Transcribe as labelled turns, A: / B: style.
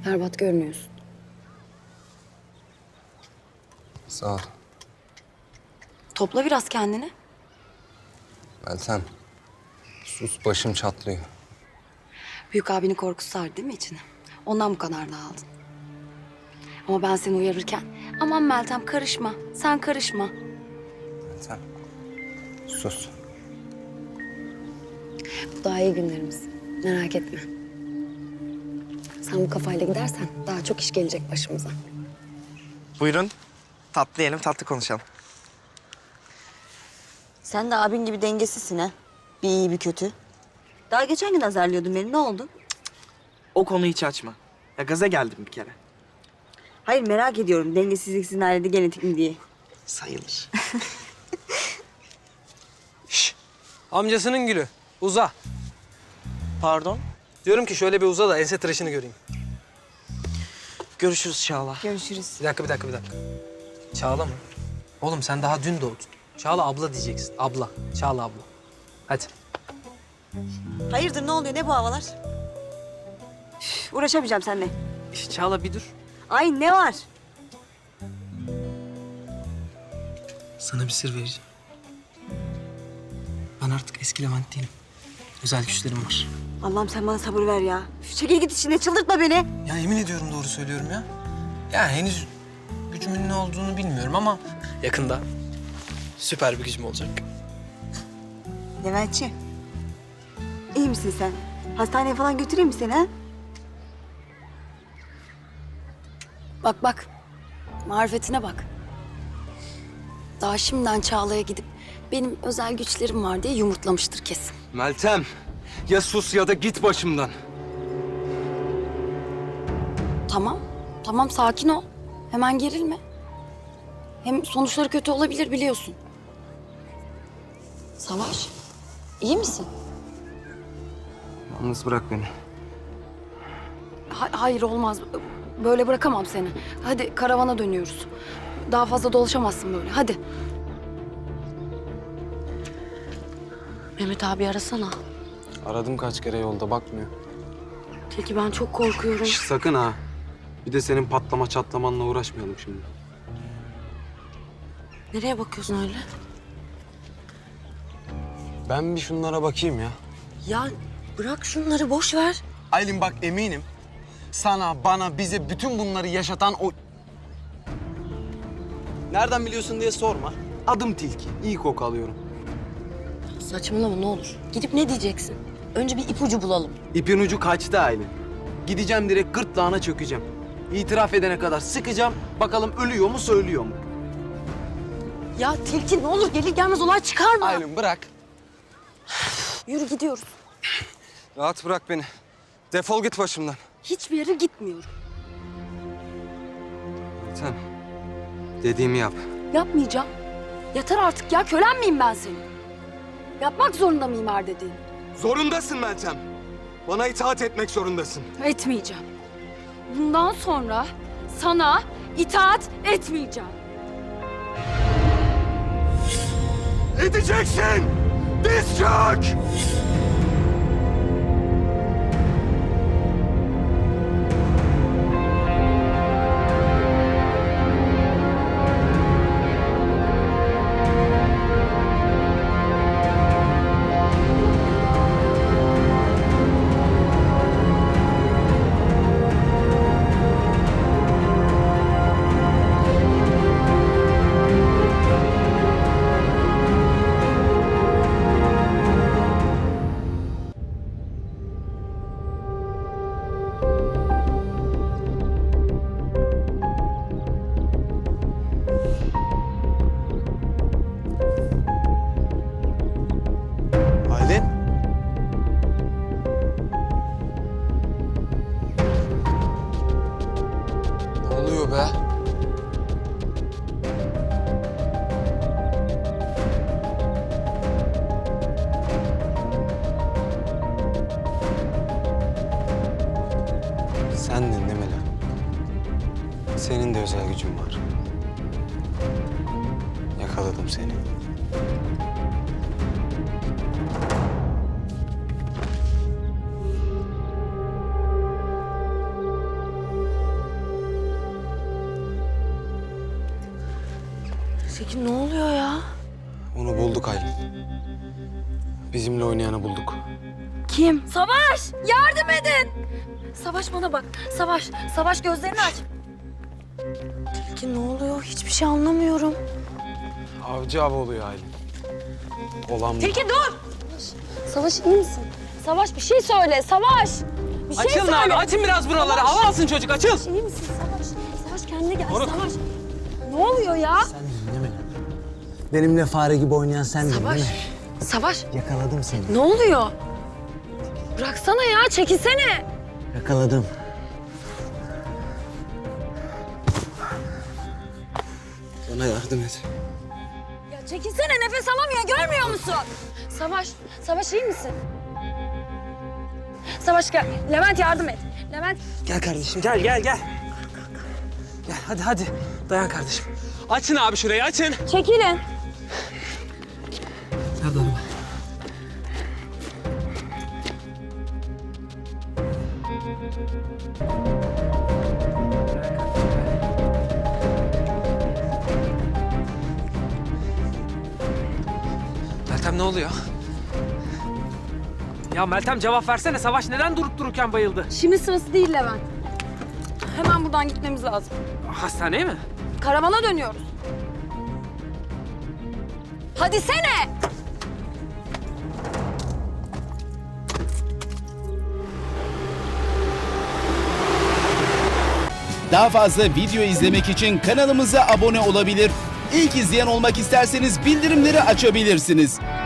A: Berbat görünüyorsun.
B: Sağ ol.
A: Topla biraz kendini.
B: Meltem. Sus, başım çatlıyor.
A: Büyük abinin korkusu sardı değil mi içine? Ondan bu kadar dağıldın. Ama ben seni uyarırken aman Meltem karışma, sen karışma.
B: Meltem. Sus.
A: Bu daha iyi günlerimiz. Merak etme. Sen bu kafayla gidersen daha çok iş gelecek başımıza.
C: Buyurun. Tatlı yiyelim, tatlı konuşalım.
D: Sen de abin gibi dengesizsin ha. Bir iyi bir kötü. Daha geçen gün azarlıyordun beni. Ne oldu?
C: O konuyu hiç açma. Ya gaza geldim bir kere.
D: Hayır merak ediyorum. Dengesizlik sizin ailede genetik mi diye.
C: Sayılır.
E: Amcasının gülü. Uza.
C: Pardon.
E: Diyorum ki şöyle bir uza da ense tıraşını göreyim.
C: Görüşürüz Çağla.
D: Görüşürüz.
E: Bir dakika. Çağla mı? Oğlum sen daha dün doğdun. Çağla abla diyeceksin. Abla. Çağla abla. Hadi.
D: Hayırdır ne oluyor? Ne bu havalar? Üf, uğraşamayacağım seninle.
E: Çağla bir dur.
D: Ay ne var?
E: Sana bir sır vereceğim. Ben artık eski Levent değilim. Özel güçlerim var.
D: Allah'ım sen bana sabır ver ya. Üf, çekil git içine çıldırtma beni.
E: Ya yemin ediyorum doğru söylüyorum ya. Ya henüz gücümün ne olduğunu bilmiyorum ama... Yakında süper bir gücüm olacak.
D: Leventçi. İyi misin sen? Hastaneye falan götüreyim mi seni ha?
A: Bak. Marifetine bak. Daha şimdiden Çağla'ya gidip benim özel güçlerim var diye yumurtlamıştır kesin.
B: Meltem. Ya sus ya da git başımdan.
A: Tamam sakin ol. Hemen gerilme. Hem sonuçları kötü olabilir biliyorsun. Savaş, iyi misin?
B: Yalnız bırak beni.
A: Hayır olmaz. Böyle bırakamam seni. Hadi karavana dönüyoruz. Daha fazla dolaşamazsın böyle. Hadi. Mehmet abi arasana.
B: Aradım kaç kere, yolda bakmıyor.
A: Tilki ben çok korkuyorum.
B: Şş, sakın ha. Bir de senin patlama çatlamanla uğraşmayalım şimdi.
A: Nereye bakıyorsun öyle?
B: Ben bir şunlara bakayım ya.
A: Ya bırak şunları boş ver.
B: Aylin bak, eminim sana, bana, bize bütün bunları yaşatan o... Nereden biliyorsun diye sorma. Adım Tilki. İyi koku alıyorum.
A: Saçmalama ne olur. Gidip ne diyeceksin? Önce bir ipucu bulalım.
B: İpin ucu kaçtı Aylin. Gideceğim direkt gırtlağına çökeceğim. İtiraf edene kadar sıkacağım. Bakalım ölüyor mu, söylüyor mu?
A: Ya Tilki ne olur gelir gelmez olay çıkarma.
B: Aylin bırak.
A: Yürü gidiyoruz.
B: Rahat bırak beni. Defol git başımdan.
A: Hiçbir yere gitmiyorum.
B: Sen dediğimi yap.
A: Yapmayacağım. Yeter artık ya kölen miyim ben senin? Yapmak zorunda mıyım her dediğini?
B: Zorundasın Meltem. Bana itaat etmek zorundasın.
A: Etmeyeceğim. Bundan sonra sana itaat etmeyeceğim.
B: Edeceksin! Diz çök! Aylin. Ne oluyor be? Sendin değil mi lan? Senin de özel gücün var. Yakaladım seni.
A: Tekin ne oluyor ya?
B: Onu bulduk Aylin. Bizimle oynayanı bulduk.
A: Kim? Savaş! Yardım edin! Savaş bana bak. Savaş, Savaş gözlerini aç. Tekin ne oluyor? Hiçbir şey anlamıyorum.
B: Avcı av oluyor Aylin. Olan bu.
A: Tekin dur! Savaş iyi misin? Savaş bir şey söyle. Savaş! Bir şey
E: Açılın
A: söyle.
E: abi, açın biraz buraları. Hava alsın çocuk, açıl.
A: İyi misin Savaş? Savaş kendine gel. Savaş. Ne oluyor ya?
F: Değil mi? Benimle fare gibi oynayan sendin
A: Savaş.
F: değil mi?
A: Savaş.
F: Yakaladım seni.
A: Ne oluyor? Bıraksana ya, çekilsene.
F: Yakaladım.
B: Bana yardım et.
A: Ya çekilsene, nefes alamıyor, görmüyor musun? Savaş, Savaş iyi misin? Savaş gel. Levent yardım et. Levent.
E: Gel kardeşim, gel. Gel hadi. Dayan kardeşim. Açın abi şurayı, açın.
A: Çekilin.
E: Nerede araba? Meltem ne oluyor? Ya Meltem cevap versene. Savaş neden durup dururken bayıldı?
A: Şimdi sırası değil Levent. Hemen buradan gitmemiz lazım.
E: Hastaneye mi?
A: Karavana dönüyoruz. Hadi sene.
G: Daha fazla video izlemek için kanalımıza abone olabilir. İlk izleyen olmak isterseniz bildirimleri açabilirsiniz.